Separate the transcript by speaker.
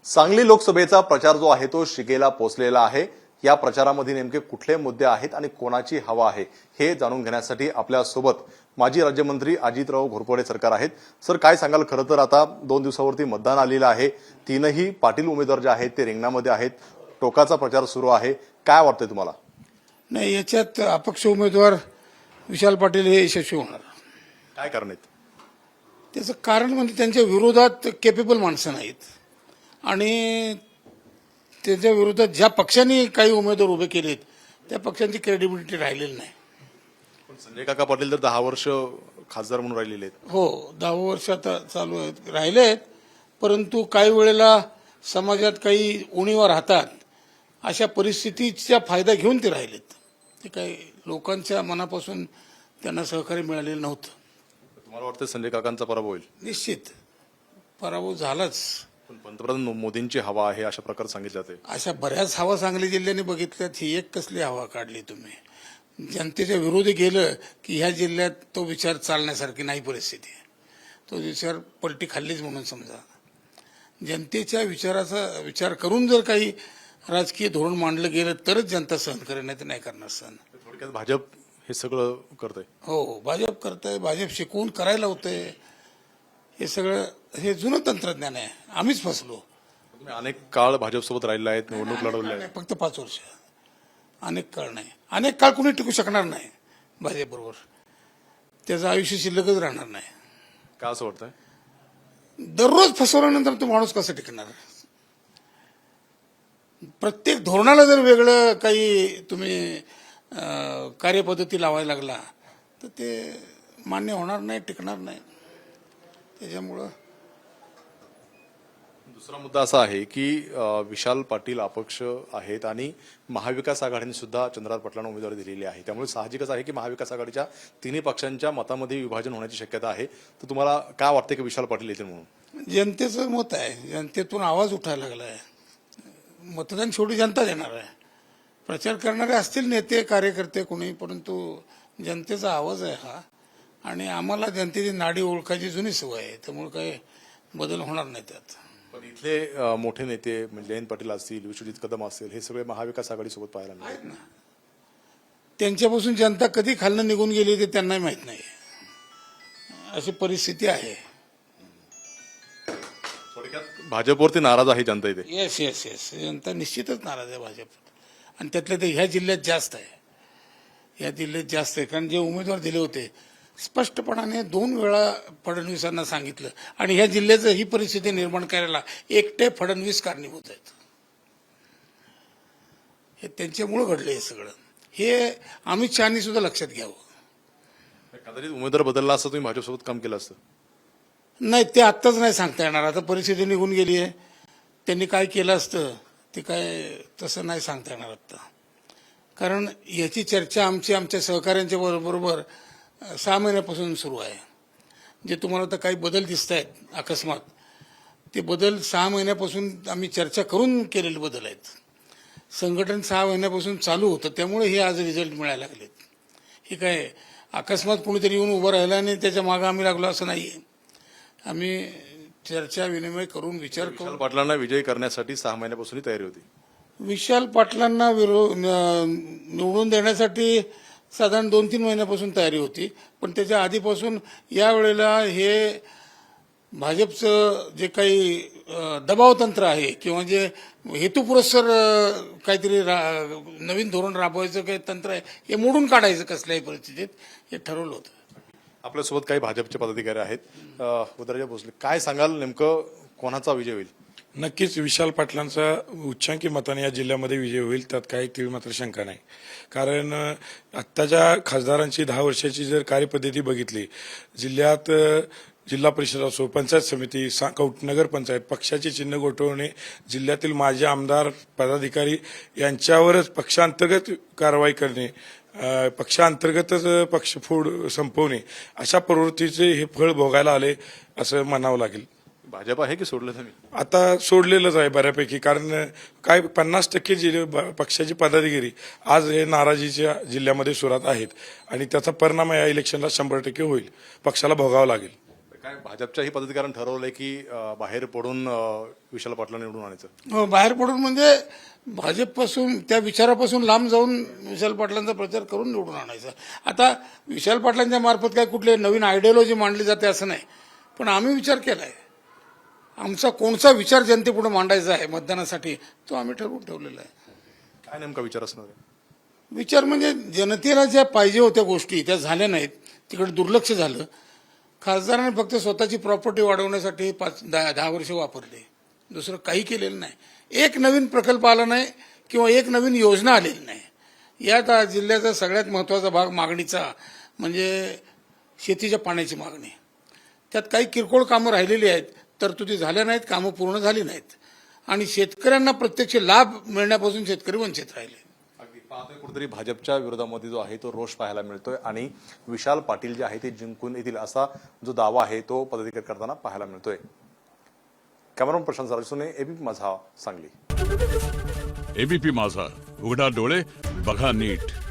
Speaker 1: सांगली लोकसभेचा प्रचार जो आहे तो शिगेला पोहोचलेला आहे। या प्रचारामध्ये नेमके कुठले मुद्दे आहेत आणि कोणाची हवा आहे हे जाणून घेण्यासाठी आपल्या सोबत माजी राज्यमंत्री अजितराव घोरपडे सरकार आहेत। सर, काय सांगाल? खरं तर आता 2 दिवसावरती मतदान आलेलं आहे। तीनही पाटील उमेदवार जे आहेत ते रिंगणामध्ये आहेत। टोकाचा प्रचार सुरू आहे। काय वाटतंय तुम्हाला?
Speaker 2: नाही, याच्यात अपक्ष उमेदवार विशाल पाटील हे यशस्वी होणार।
Speaker 1: काय कारण आहेत?
Speaker 2: त्याचं कारण म्हणजे त्यांच्या विरोधात केपेबल माणसं नाहीत आणि त्याच्या विरोधात ज्या पक्षांनी काही उमेदवार उभे केलेत त्या पक्षांची क्रेडिबिलिटी राहिलेली नाही।
Speaker 1: पण संजय काका पाटील तर 10 वर्ष खासदार म्हणून राहिलेले आहेत।
Speaker 2: हो, 10 वर्ष आता चालू आहेत, राहिलेत, परंतु काही वेळेला समाजात काही उणीवा राहतात, अशा परिस्थितीचा फायदा घेऊन ते राहिलेत। ते काही लोकांच्या मनापासून त्यांना सहकार्य मिळालेलं नव्हतं।
Speaker 1: तुम्हाला वाटतं संजय काकांचा पराभव होईल?
Speaker 2: निश्चित पराभव झालाच।
Speaker 1: पण पंतप्रधान मोदींची हवा आहे अशा प्रकारे सांगितलं जाते।
Speaker 2: अशा बऱ्याच हवा सांगली जिल्ह्याने बघितल्यात, ही एक कसली हवा काढली तुम्ही? जनतेच्या विरोधी गेलं की ह्या जिल्ह्यात तो विचार चालण्यासारखी नाही परिस्थिती आहे। तो विचार पलटी खाल्लीच म्हणून समजा। जनतेच्या विचाराचा विचार करून जर काही राजकीय धोरण मांडलं गेलं तरच जनता सहन करेल, नाही तर नाही करणार सहन।
Speaker 1: थोडक्यात भाजप हे सगळं करतंय।
Speaker 2: हो, भाजप करतंय, भाजप शिकवून करायला होतंय। हे सगळं हे जुनं तंत्रज्ञान आहे, आम्हीच फसलो।
Speaker 1: तुम्ही अनेक काळ भाजपसोबत राहिला आहेत, निवडणूक लढवली आहे।
Speaker 2: फक्त 5 वर्ष, अनेक काळ नाही। अनेक काळ कुणी टिकू शकणार नाही भाजपबरोबर, त्याचं आयुष्य शिल्लकच राहणार नाही।
Speaker 1: का असं वाटतंय?
Speaker 2: दररोज फसवल्यानंतर तो माणूस कसा टिकणार? प्रत्येक धोरणाला जर वेगळं काही तुम्ही कार्यपद्धती लावायला लागला तर ते मान्य होणार नाही, टिकणार नाही। त्याच्यामुळं
Speaker 1: दुसरा मुद्दा असा आहे की विशाल पाटील अपक्ष आहेत आणि महाविकास आघाडीने सुद्धा चंद्रकांत पाटलांना उमेदवारी दिलेली आहे। त्यामुळे साहजिकच आहे की महाविकास आघाडीच्या तिन्ही पक्षांच्या मतामध्ये विभाजन होण्याची शक्यता आहे। तर तुम्हाला काय वाटतं की विशाल पाटील येतील म्हणून?
Speaker 2: जनतेचं मत आहे, जनतेतून आवाज उठायला लागला आहे। मतदान शेवटी जनता देणार आहे। प्रचार करणारे असतील नेते कार्यकर्ते कोणी, परंतु जनतेचा आवाज आहे हा, आणि आम्हाला जनतेची नाडी ओळखायची जुनी सवय आहे, त्यामुळे काही बदल होणार नाही त्यात।
Speaker 1: पण इथले मोठे नेते म्हणजे जयंत पाटील असतील, विश्वजित कदम असतील, हे सगळे महाविकास आघाडीसोबत पाहायला मिळाले ना।
Speaker 2: त्यांच्यापासून जनता कधी खालनं निघून गेली ते त्यांनाही माहित नाही, अशी परिस्थिती आहे।
Speaker 1: थोडक्यात भाजपवरती नाराज आहे जनता इथे।
Speaker 2: येस येस येस, जनता निश्चितच नाराज आहे भाजप, आणि त्यातल्या ते ह्या जिल्ह्यात जास्त आहे। ह्या जिल्ह्यात जास्त आहे, कारण जे उमेदवार दिले होते स्पष्टपणाने 2 वेळा फडणवीसांना सांगितलं, आणि ह्या जिल्ह्याचं ही परिस्थिती निर्माण करायला एकटे फडणवीस कारणीभूत आहेत। हे त्यांच्यामुळे घडलं हे सगळं, हे अमित शहानी सुद्धा लक्षात घ्यावं।
Speaker 1: कदाचित उमेदवार बदलला असतं तुम्ही भाजपसोबत काम केलं असतं?
Speaker 2: नाही, ते आत्ताच नाही सांगता येणार। आता परिस्थिती निघून गेली आहे, त्यांनी काय केलं असतं ते काय तसं नाही सांगता येणार आत्ता, कारण याची चर्चा आमच्या सहकाऱ्यांच्या बरोबर 6 महिन्यापासून सुरू आहे। जे तुम्हाला आता काही बदल दिसत आहेत अकस्मात, ते बदल 6 महिन्यापासून आम्ही चर्चा करून केलेले बदल आहेत। संघटन 6 महिन्यापासून चालू होतं, त्यामुळे हे आज रिझल्ट मिळायला लागलेत। हे काय अकस्मात कुणीतरी येऊन उभं राहिलं आणि त्याच्या मागं आम्ही लागलो असं नाही। आम्ही चर्चा विनिमय करून विचार करून
Speaker 1: विशाल पाटलांना विजयी करण्यासाठी 6 महिन्यापासून तयारी होती।
Speaker 2: विशाल पाटलांना निवडून देण्यासाठी साधारण 2-3 महिन्यापासून तयारी होती, पण त्याच्या आधीपासून यावेळेला हे भाजपचं जे काही दबावतंत्र आहे किंवा जे हेतुपुरस्सर काहीतरी नवीन धोरण राबवायचं काही तंत्र आहे, हे मोडून काढायचं कसल्याही परिस्थितीत, हे ठरवलं होतं।
Speaker 1: आपल्यासोबत काही भाजपचे पदाधिकारी आहेत। उदयराजे भोसले, काय सांगाल, नेमकं कोणाचा विजय होईल?
Speaker 3: नक्कीच विशाल पाटलांचा उच्चांकी मताने या जिल्ह्यामध्ये विजय होईल, त्यात काही तीळ मात्र शंका नाही। कारण आत्ताच्या खासदारांची 10 वर्षाची जर कार्यपद्धती बघितली, जिल्ह्यात जिल्हा परिषद असो, पंचायत समिती, नगर पंचायत, पक्षाचे चिन्ह गोठवणे, जिल्ह्यातील माजी आमदार पदाधिकारी यांच्यावरच पक्षांतर्गत कारवाई करणे, पक्षांतर्गतच पक्षफोड संपवणे, अशा प्रवृत्तीचे हे फळ भोगायला आले असं म्हणावं लागेल।
Speaker 1: भाजप आहे की सोडलं तुम्ही?
Speaker 3: आता सोडलेलंच आहे बऱ्यापैकी, कारण काय 50% पक्षाची पदाधिकारी आज हे नाराजीच्या जिल्ह्यामध्ये सुरात आहेत, आणि त्याचा परिणाम या इलेक्शनला 100% होईल, पक्षाला भोगावं लागेल।
Speaker 1: काय भाजपच्याही पदाधिकाऱ्यांनी ठरवलंय की बाहेर पडून विशाल पाटलांना निवडून आणायचं?
Speaker 2: बाहेर पडून म्हणजे भाजपपासून त्या विचारापासून लांब जाऊन विशाल पाटलांचा प्रचार करून निवडून आणायचा. आता विशाल पाटलांच्या मार्फत काय कुठले नवीन आयडियोलॉजी मांडली जाते असं नाही, पण आम्ही विचार केलाय. आमचा कोणता विचार जनतेपुढे मांडायचा आहे मतदानासाठी तो आम्ही ठरवून ठेवलेला आहे.
Speaker 1: काय नेमका विचार असणार आहे?
Speaker 2: विचार म्हणजे जनतेला ज्या पाहिजे होत्या गोष्टी त्या झाल्या नाहीत, तिकडे दुर्लक्ष झालं. खासदारांनी फक्त स्वतःची प्रॉपर्टी वाढवण्यासाठी 10 वर्ष वापरले, दुसरं काही केलेलं नाही. एक नवीन प्रकल्प आला नाही किंवा एक नवीन योजना आलेली नाही. यात जिल्ह्याचा सगळ्यात महत्वाचा भाग मागणीचा म्हणजे शेतीच्या पाण्याची मागणी. त्यात काही किरकोळ कामं राहिलेली आहेत, तरतुदी झाल्या नाहीत, कामं पूर्ण झाली नाहीत आणि शेतकऱ्यांना प्रत्यक्ष लाभ मिळण्यापासून शेतकरी वंचित राहिले.
Speaker 1: अगदी पाहतोय कुठेतरी भाजपच्या विरोधामध्ये जो आहे तो रोष पाहायला मिळतोय आणि विशाल पाटील जे आहे ते जिंकून येतील असा जो दावा आहे तो पदाधिकारी करताना पाहायला मिळतोय. कॅमेरामन प्रशांत सरसुने, एबीपी माझा, सांगली.
Speaker 4: एबीपी माझा, उघडा डोळे बघा नीट.